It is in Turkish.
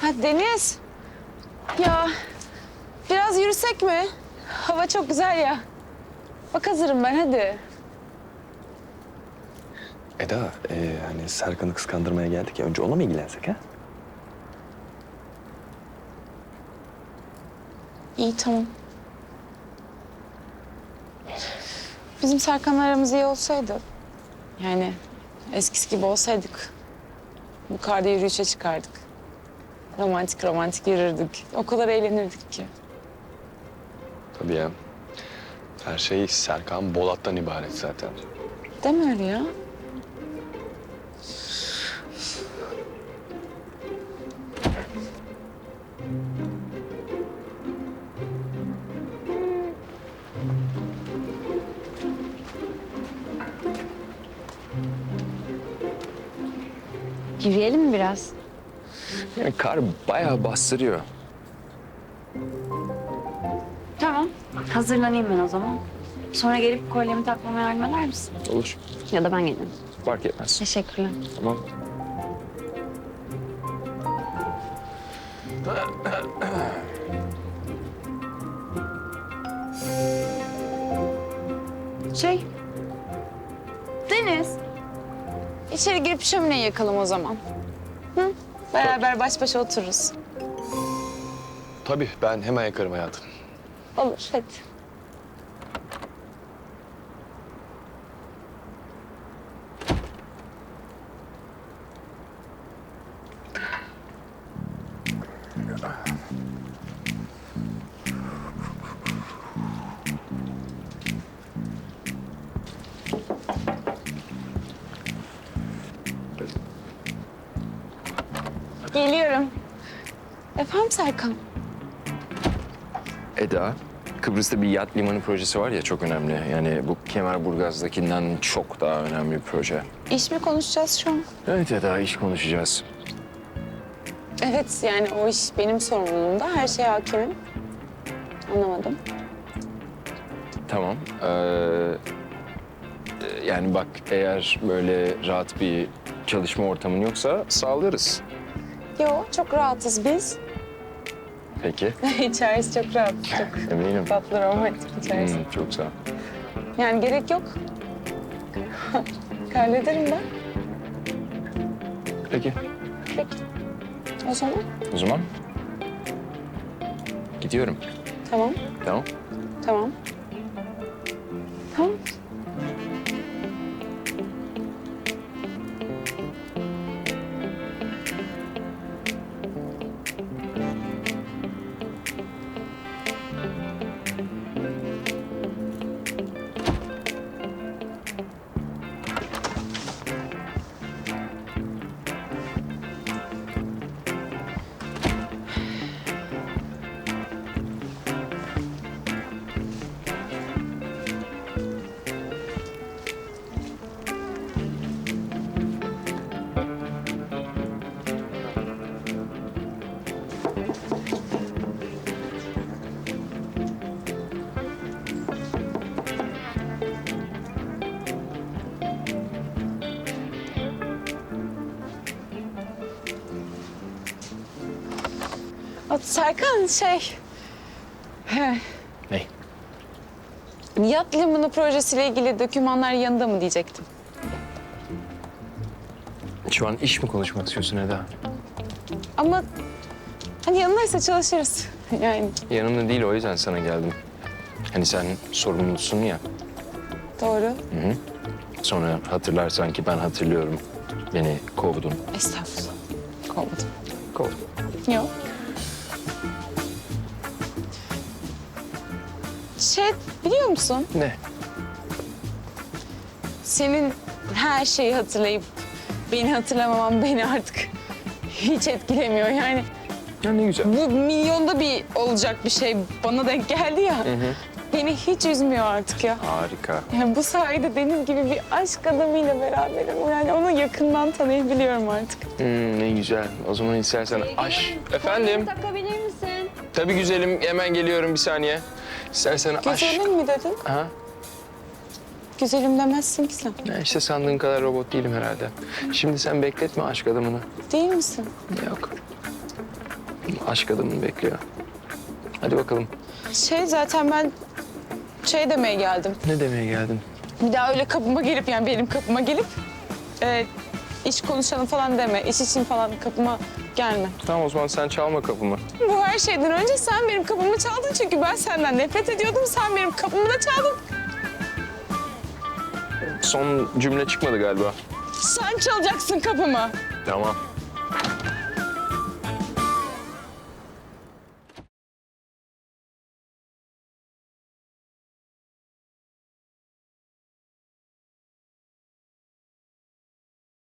Ha Deniz. Ya biraz yürüsek mi? Hava çok güzel ya. Bak hazırım ben hadi. Eda, hani Serkan'ı kıskandırmaya geldik ya. Önce ona mı ilgilensek ha? İyi tamam. Bizim Serkan'la aramız iyi olsaydı. Yani eskisi gibi olsaydık. Bu karda yürüyüşe çıkardık. Romantik romantik yürürdük. O kadar eğlenirdik ki. Tabii ya. Her şey Serkan Bolat'tan ibaret zaten. Deme öyle ya. Yürüyelim mi biraz? Yani kar bayağı bastırıyor. Tamam. Hazırlanayım ben o zaman. Sonra gelip kolyemi takmama yardım eder misin? Olur. Ya da ben gelirim. Fark etmez. Teşekkürler. Tamam. Deniz. İçeri girip şömineyi yakalım o zaman. Hı? Beraber baş başa otururuz. Tabii ben hemen yakarım hayatım. Olur hadi. Geliyorum. Efendim Serkan? Eda, Kıbrıs'ta bir yat limanı projesi var ya çok önemli. Yani bu Kemerburgaz'dakinden çok daha önemli bir proje. İş mi konuşacağız şu an? Evet Eda, iş konuşacağız. Evet yani o iş benim sorumluluğumda. Her şeye hakimim. Anlamadım. Tamam. Yani bak eğer böyle rahat bir çalışma ortamın yoksa sağlarız. Yo çok rahatız biz. Peki. İçerisi çok rahat. Çok Eminim. tatlı romantik içerisi. Çok sağ ol. Yani gerek yok. Hallederim ben. Peki. Peki. O zaman O zaman gidiyorum. tamam. Tamam. Tamam. Tamam. Serkan Ne? yat limanı projesiyle ilgili dokümanlar yanında mı diyecektim. Şu an iş mi konuşmak istiyorsun Eda? Ama hani yanındaysa çalışırız. Yani Yanımda değil o yüzden sana geldim. Hani sen sorumlusun ya. doğru. Sonra hatırlarsan ki ben hatırlıyorum. Beni kovdun. Estağfurullah. Kovmadım. Kovdun. Yok. Biliyor musun? Ne? Senin her şeyi hatırlayıp beni hatırlamaman beni artık hiç etkilemiyor. Yani Ya ne güzel. bu milyonda bir olacak bir şey bana denk geldi ya. Beni hiç üzmüyor artık ya. Harika. Yani bu sayede Deniz gibi bir aşk adamıyla beraberim. Yani onu yakından tanıyabiliyorum artık. Ne güzel. O zaman istersen aş. Efendim? Takabilir misin? Tabii güzelim. Hemen geliyorum bir saniye. İstersen aş. Güzelim mi dedin? Ha? Güzelim demezsin ki sen. Ya işte sandığın kadar robot değilim herhalde. Şimdi sen bekletme aşk adamını. Değil misin? Yok. Aşk adamını bekliyor. Hadi bakalım. Zaten ben demeye geldim. Ne demeye geldin? Bir daha öyle kapıma gelip yani benim kapıma gelip iş konuşalım falan deme. İş için falan kapıma gelme. Tamam o zaman sen çalma kapımı. Bu her şeyden önce sen benim kapımı çaldın çünkü ben senden nefret ediyordum. Sen benim kapımı da çaldın. Son cümle çıkmadı galiba. Sen çalacaksın kapımı. Tamam.